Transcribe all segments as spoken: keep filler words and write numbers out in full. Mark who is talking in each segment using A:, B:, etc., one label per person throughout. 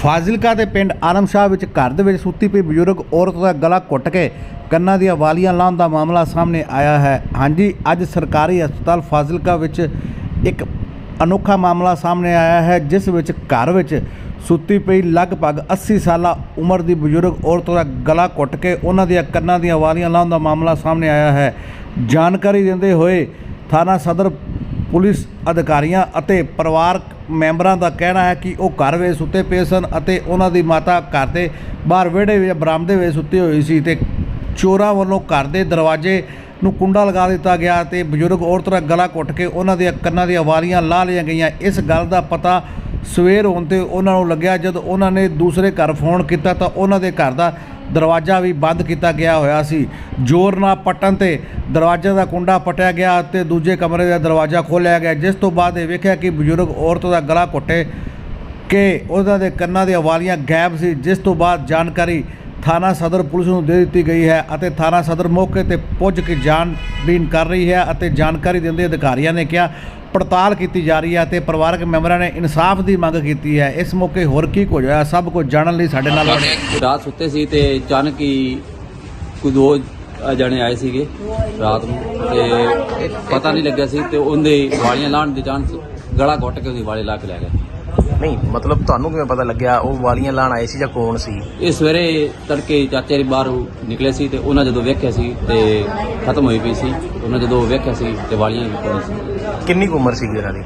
A: ਫਾਜ਼ਿਲਕਾ ਦੇ ਪਿੰਡ ਆਲਮਸ਼ਾਹ ਵਿੱਚ ਘਰ ਦੇ ਵਿੱਚ ਸੁੱਤੀ ਪਈ ਬਜ਼ੁਰਗ ਔਰਤ ਦਾ ਗਲਾ ਘੁੱਟ ਕੇ ਕੰਨਾਂ ਦੀਆਂ ਵਾਲੀਆਂ ਲਾਉਣ ਦਾ ਮਾਮਲਾ ਸਾਹਮਣੇ ਆਇਆ ਹੈ। ਹਾਂਜੀ, ਅੱਜ ਸਰਕਾਰੀ ਹਸਪਤਾਲ ਫਾਜ਼ਿਲਕਾ ਵਿੱਚ ਇੱਕ ਅਨੋਖਾ ਮਾਮਲਾ ਸਾਹਮਣੇ ਆਇਆ ਹੈ, ਜਿਸ ਵਿੱਚ ਘਰ ਵਿੱਚ ਸੁੱਤੀ ਪਈ ਲਗਭਗ अस्सी ਸਾਲਾ ਉਮਰ ਦੀ ਬਜ਼ੁਰਗ ਔਰਤ ਦਾ ਗਲਾ ਘੁੱਟ ਕੇ ਉਹਨਾਂ ਦੀਆਂ ਕੰਨਾਂ ਦੀਆਂ ਵਾਲੀਆਂ ਲਾਉਣ ਦਾ ਮਾਮਲਾ ਸਾਹਮਣੇ ਆਇਆ ਹੈ। ਜਾਣਕਾਰੀ ਦਿੰਦੇ ਹੋਏ ਥਾਣਾ ਸਦਰ ਪੁਲਿਸ ਅਧਿਕਾਰੀਆਂ ਅਤੇ ਪਰਿਵਾਰਕ ਮੈਂਬਰਾਂ ਦਾ ਕਹਿਣਾ ਹੈ ਕਿ ਉਹ ਘਰ ਵਿੱਚ ਸੁੱਤੇ ਪਏ ਸਨ ਅਤੇ ਉਹਨਾਂ ਦੀ ਮਾਤਾ ਘਰ ਦੇ ਬਾਹਰ ਵਿਹੜੇ ਵਿੱਚ ਬਰਾਮਦੇ ਵਿੱਚ ਸੁੱਤੀ ਹੋਈ ਸੀ ਤੇ ਚੋਰਾਂ ਵੱਲੋਂ ਘਰ ਦੇ ਦਰਵਾਜ਼ੇ ਨੂੰ ਕੁੰਡਾ ਲਗਾ ਦਿੱਤਾ ਗਿਆ ਤੇ ਬਜ਼ੁਰਗ ਔਰਤ ਦਾ ਗਲਾ ਘੁੱਟ ਕੇ ਉਹਨਾਂ ਦੀਆਂ ਕੰਨਾਂ ਦੀਆਂ ਵਾਲੀਆਂ ਲਾਹ ਲਈਆਂ ਗਈਆਂ। ਇਸ ਗੱਲ ਦਾ ਪਤਾ ਸਵੇਰ ਹੋਣ 'ਤੇ ਉਹਨਾਂ ਨੂੰ ਲੱਗਿਆ। ਜਦ ਉਹਨਾਂ ਨੇ ਦੂਸਰੇ ਘਰ ਫੋਨ ਕੀਤਾ ਤਾਂ ਉਹਨਾਂ ਦੇ ਘਰ ਦਾ ਦਰਵਾਜ਼ਾ ਵੀ ਬੰਦ ਕੀਤਾ ਗਿਆ ਹੋਇਆ ਸੀ। ਜ਼ੋਰ ਨਾਲ ਪੱਟਣ 'ਤੇ ਦਰਵਾਜ਼ੇ ਦਾ ਕੁੰਡਾ ਪਟਿਆ ਗਿਆ ਅਤੇ ਦੂਜੇ ਕਮਰੇ ਦਾ ਦਰਵਾਜ਼ਾ ਖੋਲ੍ਹਿਆ ਗਿਆ, ਜਿਸ ਤੋਂ ਬਾਅਦ ਇਹ ਵੇਖਿਆ ਕਿ ਬਜ਼ੁਰਗ ਔਰਤ ਦਾ ਗਲਾ ਘੁੱਟੇ ਕਿ ਉਹਨਾਂ ਦੇ ਕੰਨਾਂ ਦੀਆਂ ਵਾਲੀਆਂ ਗਾਇਬ ਸੀ। ਜਿਸ ਤੋਂ ਬਾਅਦ ਜਾਣਕਾਰੀ ਥਾਣਾ ਸਦਰ ਪੁਲਿਸ ਨੂੰ ਦੇ ਦਿੱਤੀ ਗਈ ਹੈ ਅਤੇ ਥਾਣਾ ਸਦਰ ਮੌਕੇ 'ਤੇ ਪੁੱਜ ਕੇ ਜਾਂਚਬੀਨ ਕਰ ਰਹੀ ਹੈ ਅਤੇ ਜਾਣਕਾਰੀ ਦਿੰਦੇ ਅਧਿਕਾਰੀਆਂ ਨੇ ਕਿਹਾ ਪੜਤਾਲ ਕੀਤੀ ਜਾ ਰਹੀ ਹੈ ਅਤੇ ਪਰਿਵਾਰਕ ਮੈਂਬਰਾਂ ਨੇ ਇਨਸਾਫ ਦੀ ਮੰਗ ਕੀਤੀ ਹੈ। ਇਸ ਮੌਕੇ ਹੋਰ ਕੀ ਕੁਝ ਹੋਇਆ ਸਭ ਕੁਝ ਜਾਣਨ ਲਈ ਸਾਡੇ ਨਾਲ
B: ਰਾਤ ਸੁੱਤੇ ਸੀ ਤੇ ਅਚਾਨਕ ਹੀ ਕੋਈ ਦੋ ਜਣੇ ਆਏ ਸੀਗੇ ਰਾਤ ਨੂੰ ਤੇ ਪਤਾ ਨਹੀਂ ਲੱਗਿਆ ਸੀ ਤੇ ਉਹਦੇ ਵਾਲੀਆਂ ਲਾਣ ਦੀ ਜਾਣ ਸੀ, ਗਲਾ ਘੁੱਟ ਕੇ ਉਹਦੀ ਵਾਲੇ ਲਾ ਕੇ ਲੈ ਗਏ।
C: ਨਹੀਂ ਮਤਲਬ ਤੁਹਾਨੂੰ ਕਿਵੇਂ ਪਤਾ ਲੱਗਿਆ ਉਹ ਵਾਲੀਆਂ ਲਾਣ ਆਏ ਸੀ ਜਾਂ ਕੌਣ ਸੀ?
B: ਇਹ ਸਵੇਰੇ ਤੜਕੇ ਚਾਚੇ ਦੇ ਬਾਹਰ ਨਿਕਲੇ ਸੀ ਤੇ ਉਹਨਾਂ ਜਦੋਂ ਵੇਖਿਆ ਸੀ ਤੇ ਖਤਮ ਹੋਈ ਪਈ ਸੀ। ਉਹਨਾਂ ਜਦੋਂ ਵੇਖਿਆ ਸੀ ਤੇ ਵਾਲੀਆਂ ਵੀ ਕੋਈ ਸੀ।
C: ਕਿੰਨੀ ਕੁ ਉਮਰ ਸੀਗੀ ਇਹਨਾਂ ਦੀ?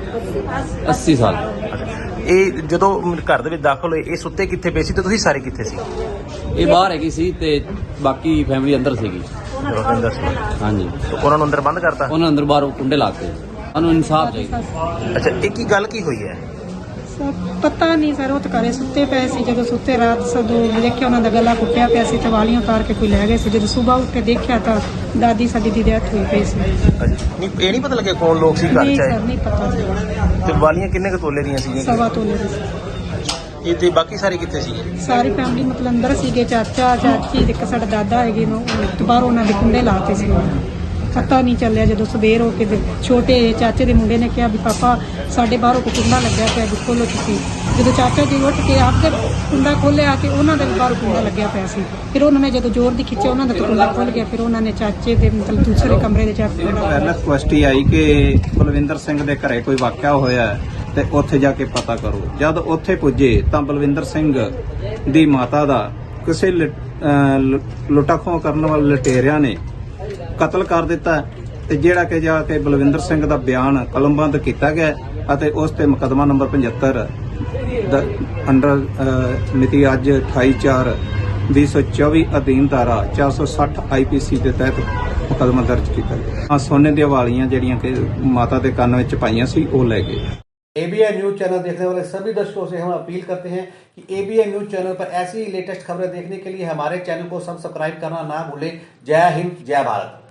B: अस्सी ਸਾਲ।
C: ਇਹ ਜਦੋਂ ਘਰ ਦੇ ਵਿੱਚ ਦਾਖਲ ਹੋਏ ਇਹ ਸੁੱਤੇ ਕਿੱਥੇ ਪਏ ਸੀ ਤੇ ਤੁਸੀਂ ਸਾਰੇ ਕਿੱਥੇ ਸੀ?
B: ਇਹ ਬਾਹਰ ਹੈਗੀ ਸੀ ਤੇ ਬਾਕੀ ਫੈਮਿਲੀ ਅੰਦਰ ਸੀਗੀ।
C: ਰਵਿੰਦਰ ਸਿੰਘ।
B: ਹਾਂਜੀ,
C: ਤੇ ਉਹਨਾਂ ਨੂੰ ਅੰਦਰ ਬੰਦ ਕਰਤਾ?
B: ਉਹਨਾਂ ਅੰਦਰ ਬਾਹਰ ਕੁੰਡੇ ਲਾ ਕੇ। ਸਾਨੂੰ ਇਨਸਾਫ ਚਾਹੀਦਾ।
C: ਅੱਛਾ, ਇਹ ਕੀ ਗੱਲ ਕੀ ਹੋਈ ਹੈ?
D: ਸਰ ਪਤਾ ਨਹੀਂ ਸਰ, ਉਹ ਤਾਂ ਘਰੇ ਸੁੱਤੇ ਪਏ ਸੀ। ਜਦੋਂ ਸੁੱਤੇ ਰਾਤ ਸਦੋਂ ਦੇਖਿਆ ਉਹਨਾਂ ਦਾ ਗਲਾ ਕੁੱਟਿਆ ਪਿਆ ਸੀ ਤੇ ਵਾਲੀਆਂ ਉਤਾਰ ਕੇ ਕੋਈ ਲੈ ਗਏ ਸੀ। ਜਦੋਂ ਸਵੇਰ ਉੱਠ ਕੇ ਦੇਖਿਆ ਤਾਂ ਦਾਦੀ ਸਾਡੀ ਦੀ ਡੈਥ ਹੋਈ ਪਈ ਸੀ।
C: ਨਹੀਂ ਇਹ ਨਹੀਂ ਪਤਾ ਲੱਗਿਆ ਕੌਣ ਲੋਕ ਸੀ ਘਰ
D: ਨਹੀਂ
C: ਚ
D: ਸਰ,
C: ਆਏ?
D: ਨਹੀਂ ਪਤਾ ਸੀ।
C: ਤੇ ਵਾਲੀਆਂ ਕਿੰਨੇ ਕੁ ਤੋਲੇ ਦੀਆਂ ਸੀਗੀਆਂ?
D: ਸਵਾ ਤੋਲੇ ਦੀ ਸੀ।
C: ਇਹ ਤੇ ਬਾਕੀ ਸਾਰੇ ਕਿੱਥੇ ਸੀ?
D: ਸਾਰੀ ਫੈਮਿਲੀ ਮਤਲਬ ਅੰਦਰ ਸੀਗੇ, ਚਾਚਾ ਚਾਚੀ ਤੇ ਇੱਕ ਸਾਡਾ ਦਾਦਾ ਹੈਗੇ ਨੂੰ ਬਾਹਰੋਂ ਉਹਨਾਂ ਦੇ ਕੁੰਡੇ ਲਾਤੇ ਸੀ। ਪਤਾ ਨਹੀਂ ਚੱਲਿਆ। ਜਦੋਂ ਸਵੇਰ ਹੋ ਕੇ ਛੋਟੇ ਚਾਚੇ ਦੇ ਮੁੰਡੇ ਨੇ ਕਿਹਾ ਵੀ ਪਾਪਾ ਸਾਡੇ ਬਾਹਰੋਂ ਕੋ ਕੁੰਡਾ ਲੱਗਿਆ ਪਿਆ ਵੀ ਖੋਲੋ ਤੁਸੀਂ। ਜਦੋਂ ਚਾਚਾ ਜੀ ਉੱਠ ਕੇ ਆਪ ਕੇ ਕੁੰਡਾ ਖੋਲ੍ਹਿਆ ਤੇ ਉਹਨਾਂ ਦੇ ਬਾਹਰੋਂ ਕੁੰਡਾ ਲੱਗਿਆ ਪਿਆ ਸੀ। ਫਿਰ ਉਹਨਾਂ ਨੇ ਜਦੋਂ ਜ਼ੋਰ ਦੀ ਖਿੱਚਿਆ ਉਹਨਾਂ ਦਾ ਕੁੰਡਾ ਖੁੱਲ ਗਿਆ। ਫਿਰ ਉਹਨਾਂ ਨੇ ਚਾਚੇ ਦੇ ਮਤਲਬ ਦੂਸਰੇ ਕਮਰੇ ਦੇ ਚਾਚੇ
E: ਪਹਿਲਾਂ ਕੁਐਸਟੀ ਆਈ ਕਿ ਬਲਵਿੰਦਰ ਸਿੰਘ ਦੇ ਘਰੇ ਕੋਈ ਵਾਕਿਆ ਹੋਇਆ ਤੇ ਉੱਥੇ ਜਾ ਕੇ ਪਤਾ ਕਰੋ। ਜਦ ਉੱਥੇ ਪੁੱਜੇ ਤਾਂ ਬਲਵਿੰਦਰ ਸਿੰਘ ਦੀ ਮਾਤਾ ਦਾ ਕਿਸੇ ਲੁੱਟਾ ਖੋਹ ਕਰਨ ਵਾਲੇ ਲੁਟੇਰਿਆਂ ਨੇ ਕਤਲ ਕਰ ਦਿੱਤਾ ਤੇ ਜਿਹੜਾ ਕਿ ਜਾ ਕੇ ਬਲਵਿੰਦਰ ਸਿੰਘ ਦਾ ਬਿਆਨ ਕਲਮਬੰਦ ਕੀਤਾ ਗਿਆ ਅਤੇ ਉਸ ਤੇ ਮੁਕੱਦਮਾ ਨੰਬਰ ਪਝੱਤਰ ਅੰਡਰ ਮਿਤੀ ਅੱਜ ਅਠਾਈ ਚਾਰ ਵੀਹ ਸੌ ਚੌਵੀ ਅਧੀਨ ਧਾਰਾ ਚਾਰ ਸੌ ਸੱਠ ਆਈ ਪੀ ਸੀ ਦੇ ਤਹਿਤ ਮੁਕੱਦਮਾ ਦਰਜ ਕੀਤਾ ਗਿਆ। ਸੋਨੇ ਦੀਆਂ ਵਾਲੀਆਂ ਜਿਹੜੀਆਂ ਕਿ ਮਾਤਾ ਦੇ ਕੰਨ ਵਿੱਚ ਪਾਈਆਂ ਸੀ ਉਹ ਲੈ गए।
A: एबीएन न्यूज चैनल देखने वाले सभी दर्शकों से हम अपील करते हैं कि एबीएन न्यूज चैनल पर ऐसी ही लेटेस्ट खबरें देखने के लिए हमारे चैनल को सब्सक्राइब करना ना भूलें। जय हिंद, जय भारत।